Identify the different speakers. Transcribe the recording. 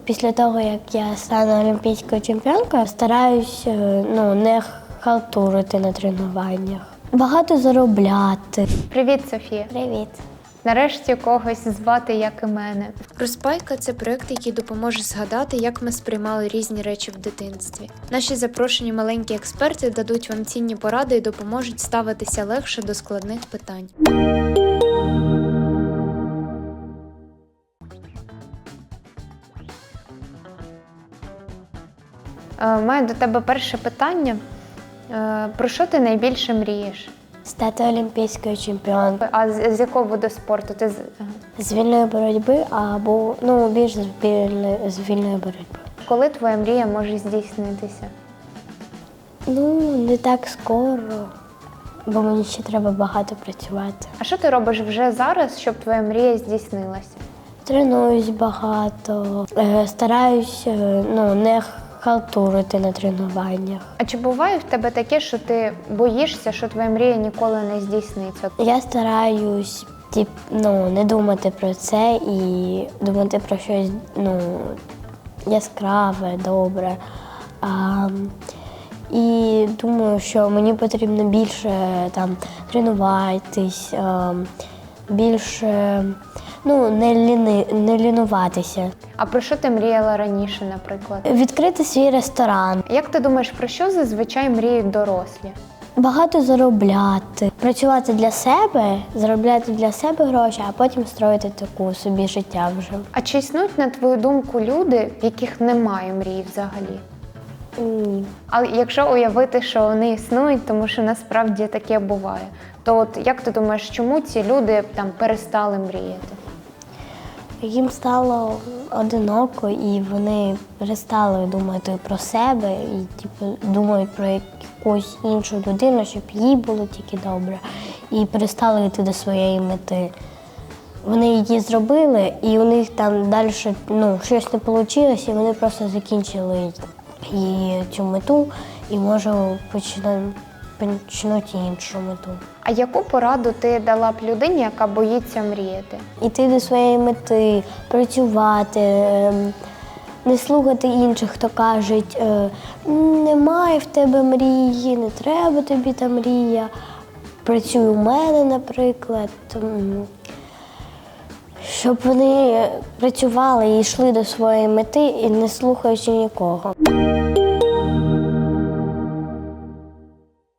Speaker 1: Після того, як я стану олімпійською чемпіонкою, стараюсь не халтурити на тренуваннях. Багато заробляти.
Speaker 2: Привіт, Софія.
Speaker 1: Привіт.
Speaker 2: Нарешті когось звати, як і мене.
Speaker 3: Розпайка – це проєкт, який допоможе згадати, як ми сприймали різні речі в дитинстві. Наші запрошені маленькі експерти дадуть вам цінні поради і допоможуть ставитися легше до складних питань.
Speaker 2: Маю до тебе перше питання. Про що ти найбільше мрієш?
Speaker 1: Стати олімпійською чемпіонкою.
Speaker 2: А з якого виду спорту?
Speaker 1: З вільної боротьби або більш з вільної боротьби.
Speaker 2: Коли твоя мрія може здійснитися?
Speaker 1: Не так скоро, бо мені ще треба багато працювати.
Speaker 2: А що ти робиш вже зараз, щоб твоя мрія здійснилася?
Speaker 1: Тренуюсь багато, стараюсь не халтурити на тренуваннях.
Speaker 2: А чи буває в тебе таке, що ти боїшся, що твоя мрія ніколи не здійсниться?
Speaker 1: Я стараюсь не думати про це і думати про щось яскраве, добре. І думаю, що мені потрібно більше тренуватись, більше не лінуватися.
Speaker 2: А про що ти мріяла раніше, наприклад?
Speaker 1: Відкрити свій ресторан.
Speaker 2: Як ти думаєш, про що зазвичай мріють дорослі?
Speaker 1: Багато заробляти, працювати для себе, заробляти для себе гроші, а потім строїти таку собі життя вже.
Speaker 2: А чи існують, на твою думку, люди, в яких немає мрії взагалі?
Speaker 1: Ні.
Speaker 2: Але якщо уявити, що вони існують, тому що насправді таке буває, то як ти думаєш, чому ці люди перестали мріяти?
Speaker 1: Їм стало одиноко, і вони перестали думати про себе і думають про якусь іншу людину, щоб їй було тільки добре, і перестали йти до своєї мети. Вони її зробили, і у них далі щось не вийшло, і вони просто закінчили цю мету, і може почнуть іншу мету.
Speaker 2: А яку пораду ти дала б людині, яка боїться мріяти?
Speaker 1: Іти до своєї мети, працювати, не слухати інших, хто кажуть, немає в тебе мрії, не треба тобі та мрія. Працюй у мене, наприклад. Щоб вони працювали і йшли до своєї мети, і не слухаючи нікого.